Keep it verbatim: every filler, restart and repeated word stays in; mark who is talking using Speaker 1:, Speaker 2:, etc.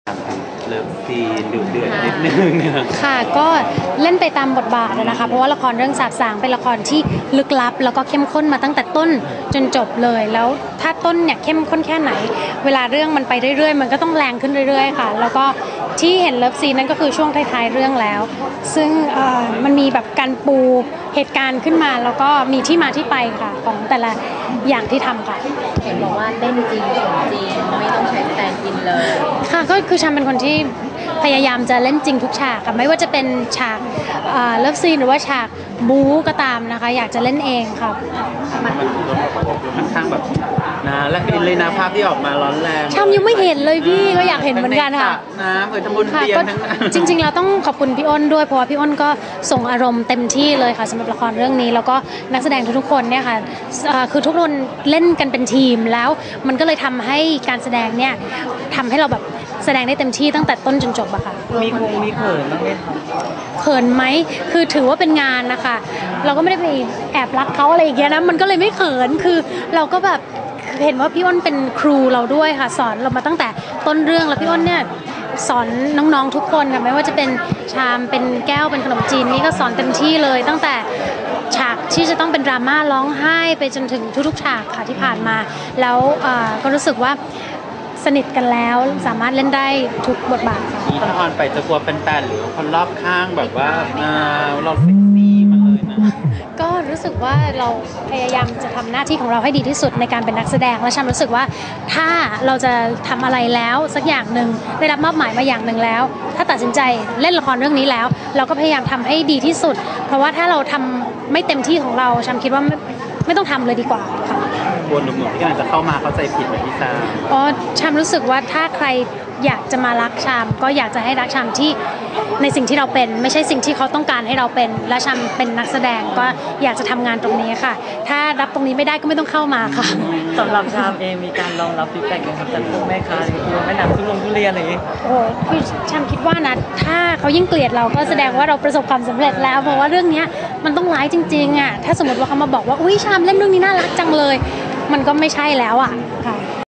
Speaker 1: เลิฟซีนดุเดือดนิดนึงเนี่ย
Speaker 2: ค่ะก็เล่นไปตามบทบาทนะคะเพราะว่าละครเรื่องสาบสางเป็นละครที่ลึกลับแล้วก็เข้มข้นมาตั้งแต่ต้นจนจบเลยแล้วถ้าต้นเนี่ยเข้มข้นแค่ไหนเวลาเรื่องมันไปเรื่อยๆมันก็ต้องแรงขึ้นเรื่อยๆค่ะแล้วก็ที่เห็นเลิฟซีนนั่นก็คือช่วงท้ายๆเรื่องแล้วซึ่งมันมีแบบการปูเหตุการณ์ขึ้นมาแล้วก็มีที่มาที่ไปค่ะของแต่ละอย่างที่ทำค่ะ
Speaker 3: เห็นบอกว่าเล่นจริงสมจริงไม่ต้องใช้สแตนด์อินเลย
Speaker 2: ค่ะก็คือฉันเป็นคนที่พยายามจะเล่นจริงทุกฉากค่ะไม่ว่าจะเป็นฉากเลิฟซีนหรือว่าฉากบู๊ก็ตามนะคะอยากจะเล่นเองค่ะ
Speaker 1: มันค่อนข้างแบบนะและอินเลยนะภาพที่ออกมาร้อนแรง
Speaker 2: ชามยังไม่เห็นเลยพี่ก็อยากเห็นเหมือนกันค่ะ
Speaker 1: น้ำเปิดทำบุญเตียงทั้งนั้น
Speaker 2: จริงๆเราต้องขอบคุณพี่อ้นด้วยเพราะว่าพี่อ้นก็ส่งอารมณ์เต็มที่เลยค่ะสำหรับละครเรื่องนี้แล้วก็นักแสดงทุกๆคนเนี่ยค่ะคือทุกคนเล่นกันเป็นทีมแล้วมันก็เลยทำให้การแสดงเนี่ยทำให้เราแบบแสดงได้เต็มที่ตั้งแต่ต้นจนจบอะค่ะ
Speaker 1: มีคงมีเขินบ้างไหมคะ
Speaker 2: เขินไหมคือถือว่าเป็นงานนะคะเราก็ไม่ได้ไปแอบรักเขาอะไรอย่างเงี้ยนะมันก็เลยไม่เขินคือเราก็แบบเห็นว่าพี่อ้นเป็นครูเราด้วยค่ะสอนเรามาตั้งแต่ต้นเรื่องแล้วพี่อ้นเนี่ยสอนน้องๆทุกคนค่ะไม่ว่าจะเป็นชามเป็นแก้วเป็นขนมจีนนี่ก็สอนเต็มที่เลยตั้งแต่ฉากที่จะต้องเป็นดราม่าร้องไห้ไปจนถึงทุกๆฉากค่ะที่ผ่านมาแล้วก็รู้สึกว่าสนิทกันแล้วสามารถเล่นได้ทุกบทบาทค่ะ
Speaker 1: นี่ตอนไปจะกลัวแฟนๆหรือคนรอบข้างแบบว่าเราเซ็กซี่มาเลยนะ
Speaker 2: ก็รู้สึกว่าเราพยายามจะทำหน้าที่ของเราให้ดีที่สุดในการเป็นนักแสดงและฉันรู้สึกว่าถ้าเราจะทำอะไรแล้วสักอย่างหนึ่งได้รับมอบหมายมาอย่างหนึ่งแล้วถ้าตัดสินใจเล่นละครเรื่องนี้แล้วเราก็พยายามทำให้ดีที่สุดเพราะว่าถ้าเราทำไม่เต็มที่ของเราฉันคิดว่าไม่ไม่ต้องทำเลยดีกว่าค่ะ
Speaker 1: วนหนุ่มๆที่กำลังจะเข้ามาเข้าใจผิดไหมพี่ชาม
Speaker 2: อ๋อชามรู้สึกว่าถ้าใครอยากจะมารักชามก็อยากจะให้รักชามที่ในสิ่งที่เราเป็นไม่ใช่สิ่งที่เขาต้องการให้เราเป็นและชามเป็นนักแสดงก็อยากจะทำงานตรงนี้ค่ะถ้ารับตรงนี้ไม่ได้ก็ไม่ต้องเข้ามาค่ะ
Speaker 4: สำหรับชามเองมีการรองรับฟีดแบ็กยังครับจากพวกแม่ค้าหรือพวกแม่น้ำทุลงทุเรียนอะไรอย่างนี้
Speaker 2: โอ้คือชามคิดว่านะถ้าเขายิ่งเกลียดเราก็แสดงว่าเราประสบความสำเร็จแล้วเพราะว่าเรื่องนี้มันต้องร้ายจริงๆอ่ะถ้าสมมติว่าเขามาบอกว่าอุ้ยชามเล่นเรื่องนี้น่ารักจังเลยมันก็ไม่ใช่แล้วอ่ะค่ะ